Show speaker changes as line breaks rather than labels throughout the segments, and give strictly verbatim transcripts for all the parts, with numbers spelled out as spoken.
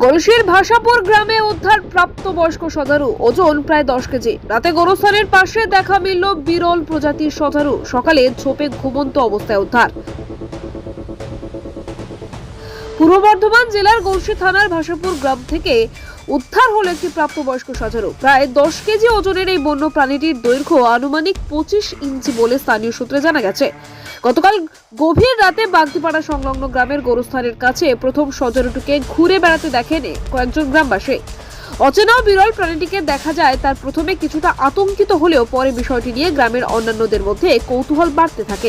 গলসির ভাষাপুর গ্রামে উদ্ধার প্রাপ্তবয়স্ক সজারু, ওজন প্রায় দশ কেজি। রাতে গোরস্থানের পাশে দেখা মিলল বিরল প্রজাতির সজারু। সকালে ঝোপে ঘুমন্ত অবস্থায় উদ্ধার। পূর্ব বর্ধমান জেলার গলসি থানার ভাষাপুর গ্রাম থেকে উদ্ধার হলো একটি প্রাপ্তবয়স্ক সজারু। প্রায় দশ কেজি ওজনের এই বন্য প্রাণীটির দৈর্ঘ্য আনুমানিক পঁচিশ ইঞ্চি বলে স্থানীয় সূত্রে জানা গেছে। গতকাল গভীর রাতে বাগদিপাড়া সংলগ্ন গ্রামের গোরস্থানের কাছে প্রথম সজারুটিকে ঘুরে বেড়াতে দেখেন কয়েকজন গ্রামবাসী। অচেনা বিরল প্রাণীটিকে দেখা যায়, তার প্রথমে কিছুটা আতঙ্কিত হলেও পরে বিষয়টি নিয়ে গ্রামের অন্যান্যদের মধ্যে কৌতূহল বাড়তে থাকে।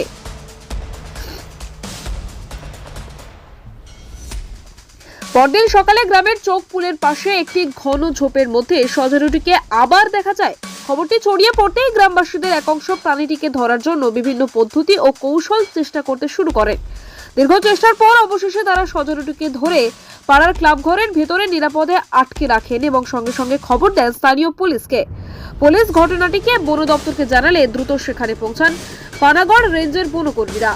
পরদিন সকালে গ্রামের চোখ পুলের পাশে একটি ঘন ঝোপের মধ্যে সজারুটিকে আবার দেখা যায়। খবরটি ছড়িয়ে পড়তেই গ্রামবাসীদের এক অংশ প্রাণীটিকে ধরার জন্য বিভিন্ন পদ্ধতি ও কৌশল চেষ্টা করতে শুরু করেন। দীর্ঘ চেষ্টার পর অবশেষে তারা সজারুটিকে ধরে পাড়ার ক্লাব ঘরের ভেতরে নিরাপদে আটকে রাখেন এবং সঙ্গে সঙ্গে খবর দেন স্থানীয় পুলিশকে। পুলিশ ঘটনাটিকে বন দপ্তরকে জানালে দ্রুত সেখানে পৌঁছান পানাগড় রেঞ্জের বনকর্মীরা।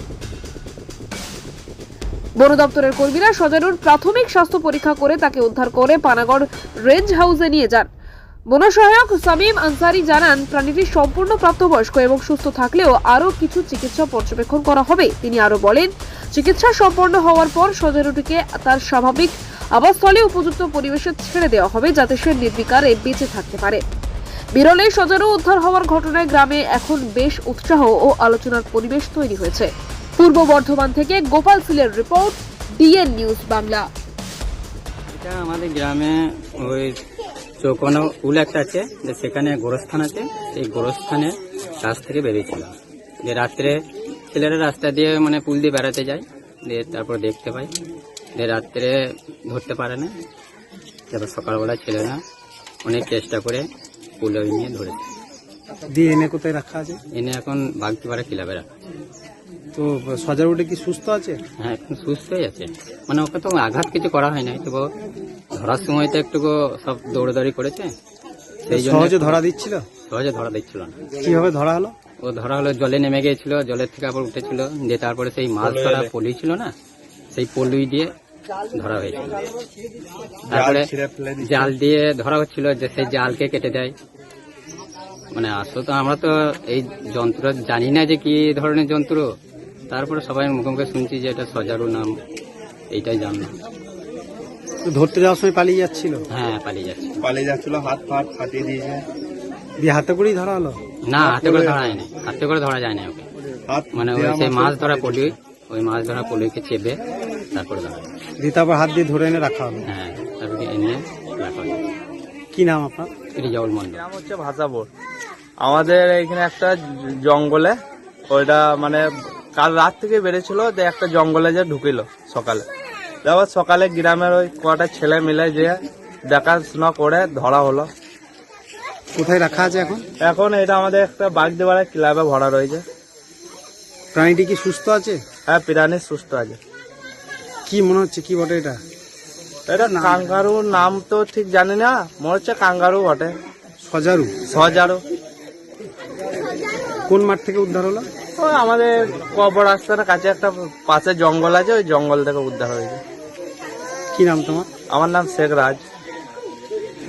বন দপ্তরের কর্মীরা সজারুর প্রাথমিক স্বাস্থ্য পরীক্ষা করে তাকে উদ্ধার করে পানাগড় রেঞ্জ হাউসে নিয়ে যান। বন সহায়ক সামিম আনসারি জানান, প্রাণীটি সম্পূর্ণ প্রাপ্তবয়স্ক এবং সুস্থ থাকলেও আরও কিছু চিকিৎসা পর্যবেক্ষণ করা হবে। তিনি আরও বলেন, চিকিৎসা সম্পন্ন হওয়ার পর সজারুটিকে তার স্বাভাবিক আবাসস্থলে উপযুক্ত পরিবেশে ছেড়ে দেওয়া হবে যাতে সে নির্বিকারে বেঁচে থাকতে পারে। বিরল এই সজারু উদ্ধার হওয়ার ঘটনায় গ্রামে এখন বেশ উৎসাহ ও আলোচনার পরিবেশ তৈরি হয়েছে। পূর্ব বর্ধমান থেকে গোপাল সিলের রিপোর্ট, ডিএন নিউজ বাংলা।
এটা আমাদের গ্রামে ওই চৌকোনো উল একটা আছে, যে সেখানে গোরস্থান আছে, সেই গোরস্থানের কাছ থেকে বেরিয়েছিল। যে রাত্রে ছেলেরা রাস্তা দিয়ে মানে পুল দিয়ে বেড়াতে যায়, দিয়ে তারপর দেখতে পাই, যে রাত্রে ধরতে পারে না। তারপর সকালবেলা ছেলেরা অনেক চেষ্টা করে পুলে নিয়ে ধরেছে।
দিয়ে এনে কোথায় রাখা আছে?
এনে এখন বাগদিপাড়া ক্লাবে রাখা।
তো সজারুটি কি সুস্থ আছে?
হ্যাঁ, এখন সুস্থই আছে। মানে ওকে তো আঘাত কিছু করা হয় নাই, তবু ধরার সময় তো একটু সব দৌড়াদৌড়ি করেছে, সেই জন্য
সহজে ধরা দিচ্ছিল।
সহজে ধরা দিচ্ছিল না।
কিভাবে ধরা হলো?
ও ধরা হলো জলে নেমে গিয়েছিল, জলের থেকে আবার উঠেছিল, দিয়ে তারপরে সেই মাছ ধরা পলি ছিল না, সেই পলি দিয়ে ধরা হয়েছিল। তারপরে জাল দিয়ে ধরা হচ্ছিল, যে সেই জালকে কেটে দেয়। মানে আসলে তো আমরা তো এই যন্ত্র জানি না যে কি ধরনের যন্ত্র। তারপরে সবাই মুখে মুখে শুনছি যে এটা সজারু নাম, এইটাই জানলাম।
ধরতে যাওয়ার সময় পালিয়ে যাচ্ছিল?
হ্যাঁ, পালিয়ে যাচ্ছে।
পালিয়ে যাচ্ছিল, হাত ফাট ফাটিয়ে দিয়েছে।
দিয়ে হাতে করেই ধরা হলো?
না, হাতে করে ধরা যায়নি, হাতে করে ধরা যায় না ওকে। মানে ওই সেই মাছ ধরা পলি, ওই মাছ ধরা পলিকে চেপে তারপরে ধরা।
দিয়ে তারপর হাত দিয়ে ধরে এনে রাখা হলো?
হ্যাঁ, তারপরে এনে রাখা হলো।
কি নাম আপনার?
রিজাউল মন্ডল।
নাম হচ্ছে ভাষাপুর। আমাদের এখানে একটা জঙ্গলে, ওইটা মানে কাল রাত থেকে বেড়েছিল, যে একটা জঙ্গলে যে ঢুকিল সকালে। তারপর সকালে গ্রামের ওই কটা ছেলে মিলে যে দেখাশোনা করে ধরা হলো।
কোথায় রাখা আছে এখন?
এখন এটা আমাদের একটা বাগদিপাড়া ক্লাবে ভরা রয়েছে।
প্রাণীটি কি সুস্থ আছে?
হ্যাঁ, প্রাণী সুস্থ আছে।
কি মনে হচ্ছে, কি বটে এটা?
এটা কাঙ্গারু, নাম তো ঠিক জানি না, মনে হচ্ছে কাঙ্গারু বটে।
সজারু?
সজারু।
কোন মাঠ থেকে উদ্ধার হলো?
ওই আমাদের কবর আস্তানার কাছে একটা পাশে জঙ্গল আছে, ওই জঙ্গল থেকে উদ্ধার হয়েছে।
কি নাম তোমার?
আমার নাম শেখ রাজ।